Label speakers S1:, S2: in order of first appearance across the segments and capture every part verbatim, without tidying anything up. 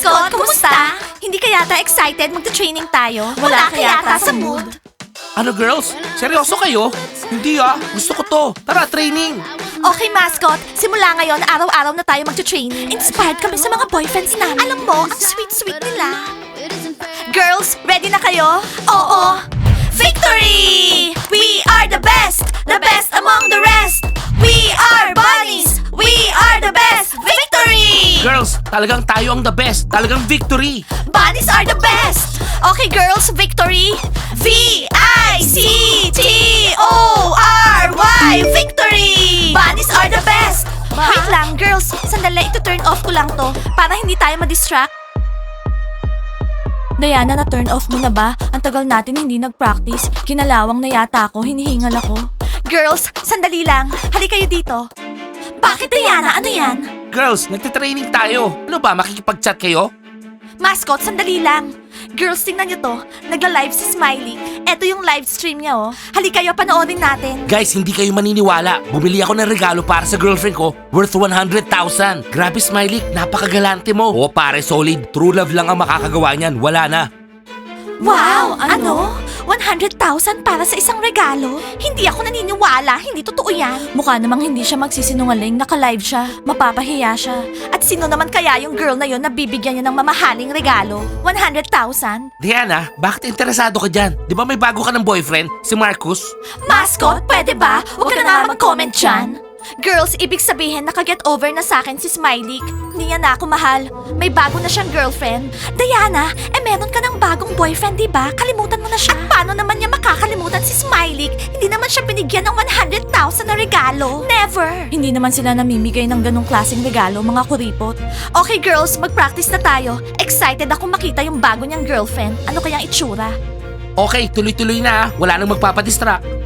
S1: Mascot, kumusta? Hindi ka yata excited magta-training tayo? Wala, ka yata sa mood.
S2: Ano girls? Seryoso kayo? Hindi ah, gusto ko to. Tara, training.
S1: Okay, mascot. Simula ngayon, araw-araw na tayo magta-training. Inspired kami sa mga boyfriends namin. Alam mo, ang sweet-sweet nila. Girls, ready na kayo? Oo. Victory! We are the best! The best among the rest! We are bunnies! We are the best! Victory!
S2: Girls, talagang tayo ang the best. Talagang victory.
S1: Bunnies are the best! Okay, girls, victory! V I C T O R Y! Victory! Bunnies are the best! Wait lang, girls. Sandali, ito turn off ko lang to para hindi tayo ma-distract. Diana, na-turn off mo na ba? Ang tagal natin hindi nag-practice. Kinalawang na yata ako, hinihingal ako. Girls, sandali lang. Hali kayo dito. Bakit, Diana? Ano yan?
S2: Girls, nagtitraining tayo. Ano ba, makikipag-chat kayo?
S1: Mascot, sandali lang. Girls, tingnan niyo to. Nagla-live si Smiley. Eto yung live stream niya, oh. Hali kayo, panoorin natin.
S2: Guys, hindi kayo maniniwala. Bumili ako ng regalo para sa girlfriend ko worth one hundred thousand. Grabe, Smiley. Napakagalante mo. Oo, pare, solid. True love lang ang makakagawa niyan. Wala na.
S1: Wow! Ano? one hundred thousand para sa isang regalo? Hindi ako naniniwala. Hindi totoo yan. Mukha namang hindi siya magsisinungaling. Naka-live siya. Mapapahiya siya. At sino naman kaya yung girl na yon na bibigyan niya ng mamahaling regalo? one hundred thousand?
S2: Diana, bakit interesado ka dyan? Di ba may bago ka ng boyfriend? Si Marcus?
S1: Mascot, pwede ba? Huwag ka na nga mag-comment dyan. Girls, ibig sabihin nakaget over na sa akin si Smiley. Hindi niya na ako mahal. May bago na siyang girlfriend. Diana, eh meron ka ng bagong boyfriend, di ba? Kalimutan mo na siya. At paano naman niya makakalimutan si Smiley? Hindi naman siya binigyan ng one hundred thousand na regalo. Never! Hindi naman sila namimigay ng ganong klaseng regalo, mga kuripot. Okay girls, mag-practice na tayo. Excited ako makita yung bago niyang girlfriend. Ano kayang itsura?
S2: Okay, tuloy-tuloy na ah. Wala nang magpapadistract.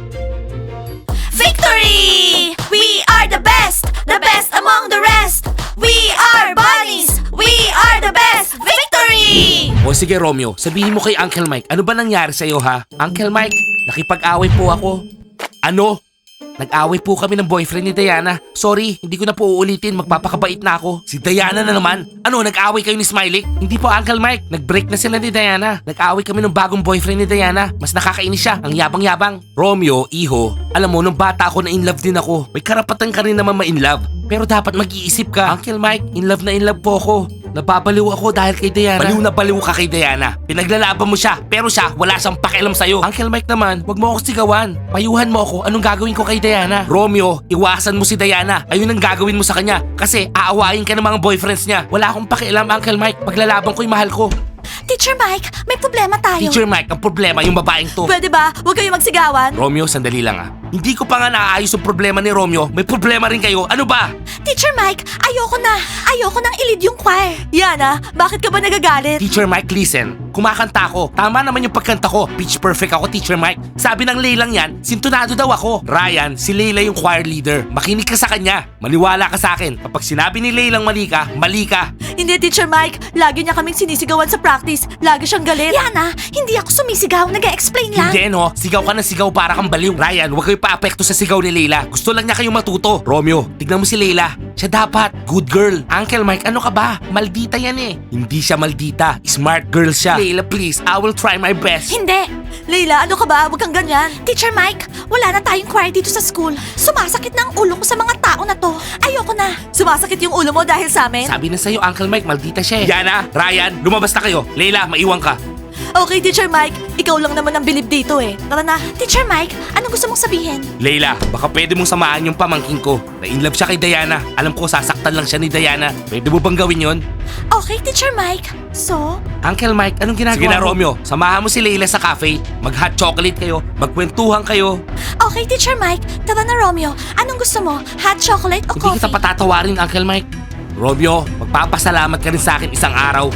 S1: Victory! We are the best! The best among the rest! We are bunnies! We are the best! Victory!
S2: O sige Romeo, sabihin mo kay Uncle Mike, ano ba nangyari sa'yo ha? Uncle Mike, nakipag-away po ako. Ano? Nag-away po kami ng boyfriend ni Diana. Sorry, hindi ko na po uulitin, magpapakabait na ako. Si Diana na naman. Ano, nag-away kayo ni Smiley? Hindi po Uncle Mike, nag-break na sila ni Diana. Nag-away kami ng bagong boyfriend ni Diana. Mas nakakainis siya, ang yabang-yabang. Romeo, iho, alam mo, nung bata ako na in love din ako. May karapatan ka rin naman ma-in love. Pero dapat mag-iisip ka. Uncle Mike, in love na in love po ako. Napapaliw ako dahil kay Diana. Baliw na baliw ka kay Diana. Pinaglalaban mo siya, pero siya wala siyang pakialam sa'yo. Uncle Mike naman, wag mo ako sigawan. Payuhan mo ako, anong gagawin ko kay Diana? Romeo, iwasan mo si Diana. Ayun ang gagawin mo sa kanya. Kasi aawayin ka ng mga boyfriends niya. Wala akong pakialam, Uncle Mike. Paglalaban ko yung mahal ko.
S1: Teacher Mike, may problema tayo.
S2: Teacher Mike, ang problema yung babaeng to.
S1: Pwede ba? Huwag kayo magsigawan.
S2: Romeo, sandali lang ah. Hindi ko pa nga naaayos yung problema ni Romeo. May problema rin kayo. Ano ba?
S1: Teacher Mike, ayoko na. Ayoko nang ilid yung choir. Yana, bakit ka ba nagagalit?
S2: Teacher Mike, listen. Kumakanta ako. Tama naman yung pagkanta ko. Pitch perfect ako, Teacher Mike. Sabi ng Leilang yan, sintonado daw ako. Ryan, si Leila yung choir leader. Makinig ka sa kanya. Maniwala ka sa akin. Kapag sinabi ni Leilang mali ka, mali ka.
S1: Hindi, Teacher Mike. Lagi niya kaming sinisigawan sa practice. Lagi siyang galit. Yana, hindi ako sumisigaw. Nag-explain lang.
S2: Hindi no, sigaw ka na sigaw para kang baliw. Ryan, huwag kayo pa-apekto sa sigaw ni Leila. Gusto lang niya kayong matuto. Romeo, tignan mo si Leila. Siya dapat. Good girl. Uncle Mike, ano ka ba? Maldita yan eh. Hindi siya maldita. Smart girl siya. Leila, please. I will try my best.
S1: Hindi. Leila, ano ka ba? Huwag kang ganyan. Teacher Mike, wala na tayong choir dito sa school. Sumasakit na ang ulo ko sa mga tao na to. Ayoko na. Sumasakit yung ulo mo dahil sa amin?
S2: Sabi na sa'yo, Uncle Mike, maldita siya eh. Yana, Ryan, lumabas na kayo. Leila, maiwan ka.
S1: Okay, Teacher Mike. Ikaw lang naman ang bilib dito eh. Tara na. Teacher Mike, anong gusto mong sabihin?
S2: Leila, baka pwede mong samahan yung pamangkin ko. Na-inlove siya kay Diana. Alam ko, sasaktan lang siya ni Diana. Pwede mo bang gawin yon?
S1: Okay, Teacher Mike. So?
S2: Uncle Mike, anong ginagawa Sige na, mo? Romeo. Samahan mo si Leila sa cafe. Mag-hot chocolate kayo. Magkwentuhan kayo.
S1: Okay, Teacher Mike. Tara na, Romeo. Anong gusto mo? Hot chocolate o
S2: Hindi
S1: coffee?
S2: kita patatawarin, Uncle Mike. Romeo, magpapasalamat ka rin sa akin isang araw.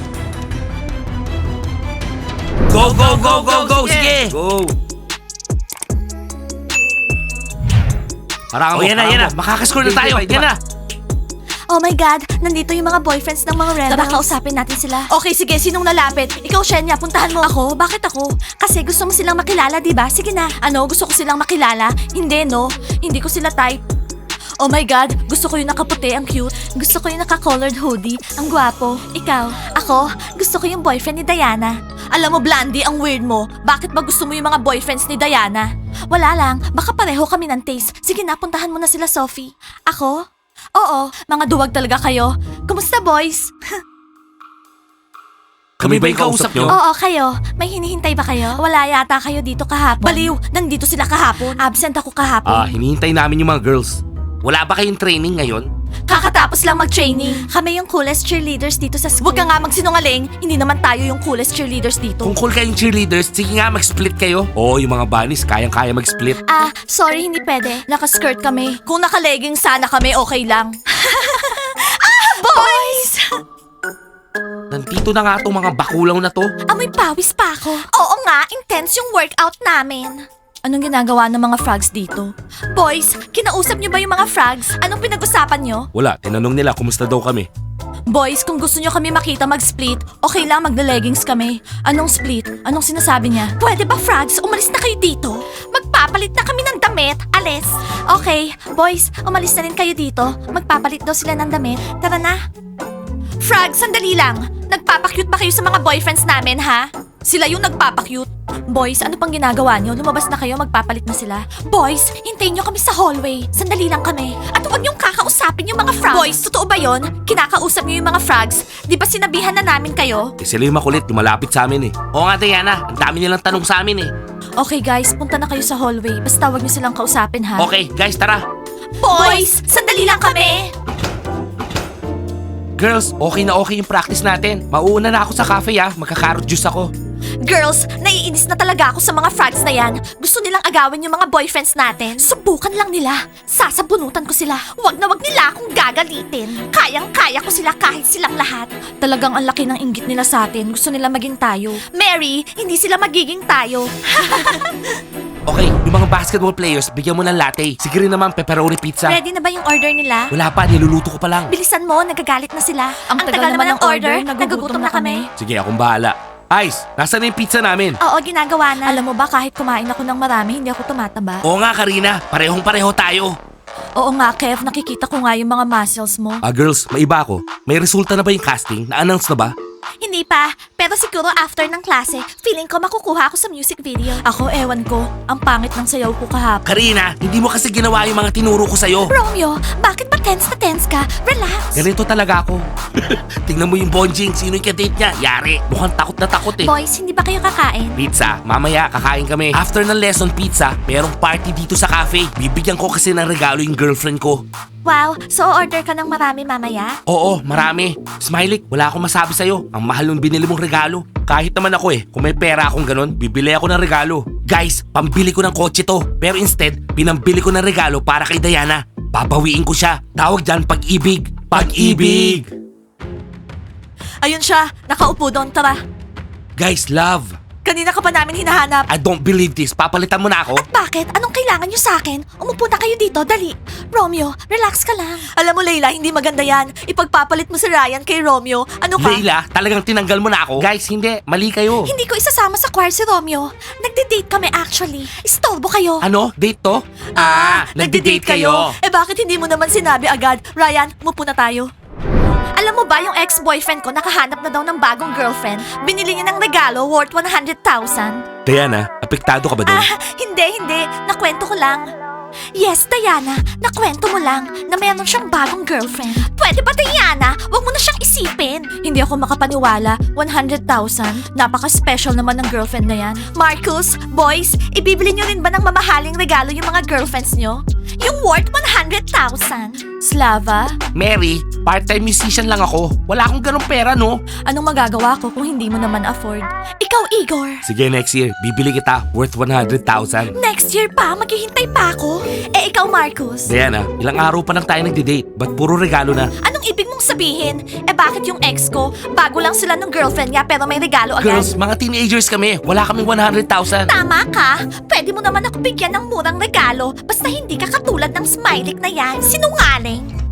S2: Go, go, go, go, go! Sige! Go! Parang oh, yan na, yan na. Makakascore na tayo. Yan na.
S1: Oh my God, nandito yung mga boyfriends ng mga rebels. Tara, kausapin natin sila. Okay, sige, sinong nalapit? Ikaw, Shenya, puntahan mo. Ako? Bakit ako? Kasi gusto mo silang makilala, di ba? Sige na. Ano, gusto ko silang makilala? Hindi, no? Hindi ko sila type. Oh my God, gusto ko yung nakaputi, ang cute. Gusto ko yung naka-colored hoodie, ang gwapo. Ikaw? Ako, gusto ko yung boyfriend ni Diana. Alam mo, Blandy, ang weird mo. Bakit ba gusto mo yung mga boyfriends ni Diana? Wala lang, baka pareho kami ng taste. Sige na, puntahan mo na sila, Sophie. Ako? Oo, mga duwag talaga kayo. Kumusta, boys?
S2: Kami ba yung kausap nyo?
S1: Oo, kayo. May hinihintay ba kayo? Wala yata kayo dito kahapon. Baliw, nandito sila kahapon. Absent ako kahapon.
S2: Ah, hinihintay namin yung mga girls. Wala ba kayong training ngayon?
S1: Kakatapos lang mag-training. Kami yung coolest cheerleaders dito sa school. Huwag ka nga magsinungaling. Hindi naman tayo yung coolest cheerleaders dito.
S2: Kung cool kayong cheerleaders, sige nga mag-split kayo. Oo, yung mga bunnies, kayang-kaya mag-split.
S1: Ah, sorry, hindi pwede. Naka-skirt kami. Kung naka-legging sana kami, okay lang. ah, boys!
S2: Nandito na nga tong mga bakulaw na to.
S1: Amoy pawis pa ako. Oo nga, intense yung workout namin. Anong ginagawa ng mga frogs dito? Boys, kinausap niyo ba yung mga frogs? Anong pinag-usapan niyo?
S2: Wala, tinanong nila kumusta daw kami.
S1: Boys, kung gusto niyo kami makita mag-split, okay lang magla-leggings kami. Anong split? Anong sinasabi niya? Pwede ba, frogs? Umalis na kayo dito. Magpapalit na kami ng damit. Alis. Okay, boys, umalis na rin kayo dito. Magpapalit daw sila ng damit. Tara na. Frogs, sandali lang. Nagpapakyut ba kayo sa mga boyfriends namin, ha? Sila yung nagpapakyut. Boys, ano pang ginagawa niyo? Lumabas na kayo, magpapalit na sila. Boys, hintayin niyo kami sa hallway. Sandali lang kami. At huwag niyong kakausapin yung mga frogs. Boys, totoo ba yon? Kinakausap niyo yung mga frogs? Di ba sinabihan na namin kayo?
S2: Eh, sila yung makulit, yung malapit sa amin eh. Oo nga, Diana, ang dami nilang tanong sa amin eh.
S1: Okay guys, punta na kayo sa hallway. Basta huwag niyo silang kausapin, ha?
S2: Okay, guys, tara.
S1: Boys, sandali lang kami.
S2: Girls, okay na okay yung practice natin. Mauuna na ako sa cafe ah, magka-carrot juice ako.
S1: Girls, naiinis na talaga ako sa mga frogs na yan. Gusto nilang agawin yung mga boyfriends natin. Subukan lang nila. Sasabunutan ko sila. Wag na wag nila akong gagalitin. Kayang-kaya ko sila kahit silang lahat. Talagang ang laki ng inggit nila sa atin. Gusto nila maging tayo. Mary, hindi sila magiging tayo.
S2: Okay, yung mga basketball players, bigyan mo ng latte. Sige rin naman, pepperoni pizza.
S1: Ready na ba yung order nila?
S2: Wala pa, niluluto ko pa lang.
S1: Bilisan mo, nagagalit na sila. Ang, tagal, naman ng order, nagugutom na kami.
S2: Sige, akong bahala. Ice, nasaan na yung pizza namin?
S1: Oo, ginagawa na. Alam mo ba, kahit kumain ako ng marami, hindi ako tumataba.
S2: Oo nga, Karina. Parehong-pareho tayo.
S1: Oo nga, Kev, nakikita ko nga yung mga muscles mo.
S2: Ah, girls, may iba ako. May resulta na ba yung casting? Na-announce na ba?
S1: Hindi pa, pero siguro after ng klase, feeling ko makukuha ako sa music video. Ako, ewan ko. Ang pangit ng sayaw ko kahapon.
S2: Karina, hindi mo kasi ginawa yung mga tinuro ko sa'yo.
S1: Romeo, bakit ba tense na tense ka? Relax.
S2: Ganito talaga ako. Tingnan mo yung bonjing. Sino yung kadate niya? Yari. Mukhang takot na takot eh.
S1: Boys, hindi ba kayo kakain?
S2: Pizza. Mamaya, kakain kami. After ng lesson pizza, merong party dito sa cafe. Bibigyan ko kasi ng regalo yung girlfriend ko.
S1: Wow, so order ka ng marami mamaya?
S2: Oo, marami. Smiley, wala akong masabi sa'yo. Ang mahal ng binili mong regalo. Kahit naman ako eh, kung may pera akong ganun, bibili ako ng regalo. Guys, pambili ko ng kotse to. Pero instead, pinambili ko ng regalo para kay Diana. Babawiin ko siya. Tawag dyan, pag-ibig. Pag-ibig!
S1: Ayun siya, nakaupo doon, tara.
S2: Guys, love.
S1: Kanina ka pa namin hinahanap.
S2: I don't believe this. Papalitan mo na ako?
S1: Bakit? Anong kailangan nyo sa akin? Umupo na kayo dito, dali. Romeo, relax ka lang. Alam mo, Layla, hindi maganda yan. Ipagpapalit mo si Ryan kay Romeo. Ano ka?
S2: Leila, talagang tinanggal mo na ako? Guys, hindi. Mali kayo.
S1: Hindi ko isasama sa choir si Romeo. Nagde-date kami actually. Istorbo kayo.
S2: Ano? Date to? nagde-date kayo.
S1: Eh bakit hindi mo naman sinabi agad? Ryan, umupo na tayo. Alam mo ba yung ex-boyfriend ko nakahanap na daw ng bagong girlfriend? Binili niya ng regalo worth one hundred thousand.
S2: Diana, apektado ka ba doon?
S1: Ah, hindi, hindi. Nakwento ko lang. Yes, Diana. Nakwento mo lang na mayroon siyang bagong girlfriend. Pwede ba, Diana? Huwag mo na siyang isipin. Hindi ako makapaniwala. one hundred thousand? Napaka-special naman ng girlfriend na yan. Marcus, boys, ibibili niyo rin ba ng mamahaling regalo yung mga girlfriends niyo? Yung worth one hundred thousand. Slava?
S2: Mary, part-time musician lang ako. Wala akong ganong pera, no?
S1: Anong magagawa ko kung hindi mo naman afford? Ikaw, Igor.
S2: Sige, next year, bibili kita worth one hundred thousand.
S1: Next year pa, maghihintay pa ako. Eh, ikaw, Marcus.
S2: Diana, ilang araw pa lang tayo nagde-date. Ba't puro regalo na?
S1: Anong ibig mong sabihin? Eh, bakit yung ex ko? Bago lang sila ng girlfriend niya pero may regalo agad.
S2: Girls, mga teenagers kami. Wala kaming one hundred thousand.
S1: Tama ka. Pwede mo naman ako bigyan ng murang regalo basta hindi ka katulad ng Smiley na yan. Sinungaling.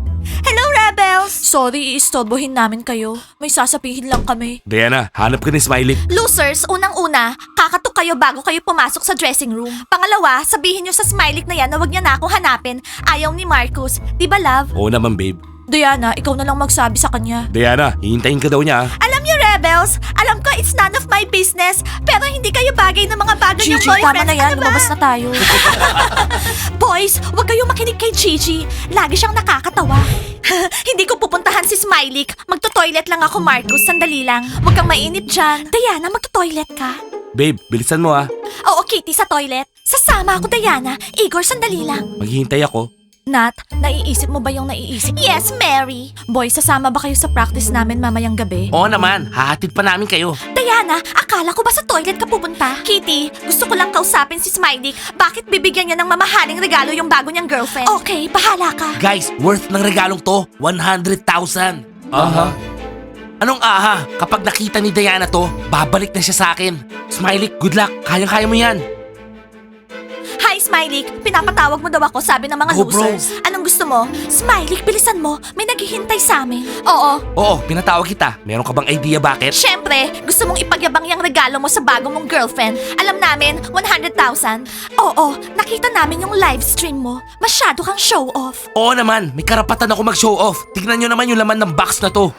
S1: Hello, Rebels! Sorry, iistorbohin namin kayo. May sasabihin lang kami.
S2: Diana, hanap ka ni Smiley.
S1: Losers, unang-una, kakatok kayo bago kayo pumasok sa dressing room. Pangalawa, sabihin nyo sa Smiley na yan na wag niya na akong hanapin. Ayaw ni Marcus. Di ba, love?
S2: Oo naman, babe.
S1: Diana, ikaw na lang magsabi sa kanya.
S2: Diana, hihintayin ka daw niya. ah.
S1: Alam niyo, Rebels, alam ko it's none of my business, pero hindi kayo bagay ng mga bagay niyong boyfriends. Tama na yan,
S3: Ano
S1: lumabas na tayo. Boys, wag kayong makinig kay Gigi. Lagi siyang nakakatawa. Hindi ko pupuntahan si Smiley. Magto-toilet lang ako, Marcus. Sandali lang. Huwag kang mainip dyan. Diana, magto-toilet ka?
S2: Babe, bilisan mo ah.
S1: Oo, Kitty, sa toilet. Sasama ako, Diana. Igor, sandali lang.
S2: Maghihintay ako.
S1: Nat, naiisip mo ba yung naiisip? Yes, Mary. Boys, sasama ba kayo sa practice namin mamayang gabi?
S2: Oo naman, hahatid pa namin kayo.
S1: Diana, akala ko ba sa toilet ka pupunta? Kitty, gusto ko lang kausapin si Smiley. Bakit bibigyan niya ng mamahaling regalo yung bago niyang girlfriend? Okay, bahala ka.
S2: Guys, worth ng regalong to, one hundred thousand. Aha. Anong aha? Kapag nakita ni Diana to, babalik na siya sa akin. Smiley, good luck. Kayang-kaya mo yan.
S1: Hi, Smiley. Pinapatawag mo daw ako, sabi ng mga
S2: Go, bro.
S1: losers. Anong gusto mo? Smiley, bilisan mo. May naghihintay sa amin. Oo.
S2: Oo, pinatawag kita. Meron ka bang idea bakit?
S1: Siyempre, gusto mong ipagyabang yung regalo mo sa bago mong girlfriend. Alam namin, one hundred thousand. Oo, nakita namin yung live stream mo. Masyado kang show off.
S2: Oo naman, may karapatan ako mag-show off. Tignan nyo naman yung laman ng box na to.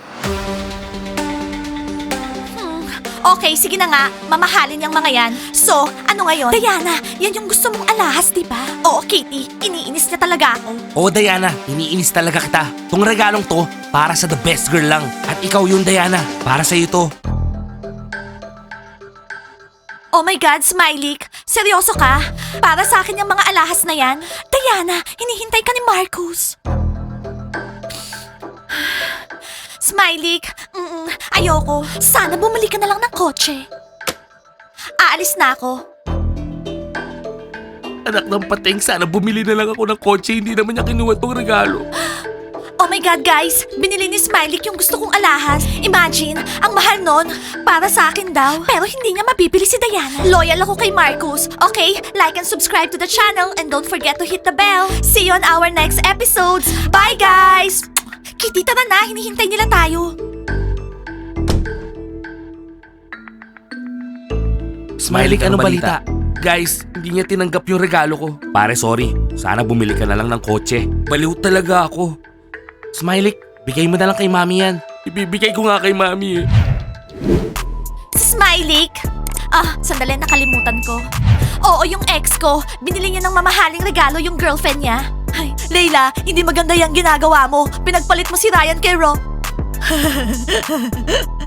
S1: Okay, sige na nga. Mamahalin yung mga yan. So, ano ngayon? Diana, yan yung gusto mong alahas, di ba? Oo, Kitty. Iniinis niya talaga ako.
S2: Oo, Diana, iniinis talaga kita. Tong regalong to, para sa the best girl lang. At ikaw yun, Diana. Para sa'yo to.
S1: Oh my God, Smiley. Seryoso ka? Para sa akin yung mga alahas na yan? Diana, hinihintay ka ni Marcus. Smiley, mm, ayoko. Sana bumalik ka na lang ng kotse. Aalis na ako.
S2: Anak ng pating, sana bumili na lang ako ng kotse. Hindi naman niya kinuha tong regalo.
S1: Oh my God, guys! Binili ni Smiley yung gusto kong alahas. Imagine, ang mahal nun. Para sa akin daw. Pero hindi niya mabibili si Diana. Loyal ako kay Marcus. Okay, like and subscribe to the channel and don't forget to hit the bell. See you on our next episodes. Bye, guys! Kitty, tara na. Hinihintay nila tayo.
S2: Smiley, ano balita? Guys, hindi niya tinanggap yung regalo ko. Pare, sorry. Sana bumili ka na lang ng kotse. Baliw talaga ako. Smiley, bigay mo na lang kay mami yan. Ibibigay ko nga kay mami eh.
S1: Si Smiley? Ah, sandali, nakalimutan ko. Oo, yung ex ko. Binili niya ng mamahaling regalo yung girlfriend niya. Ay, Layla, hindi maganda yung ginagawa mo. Pinagpalit mo si Ryan kay Ro.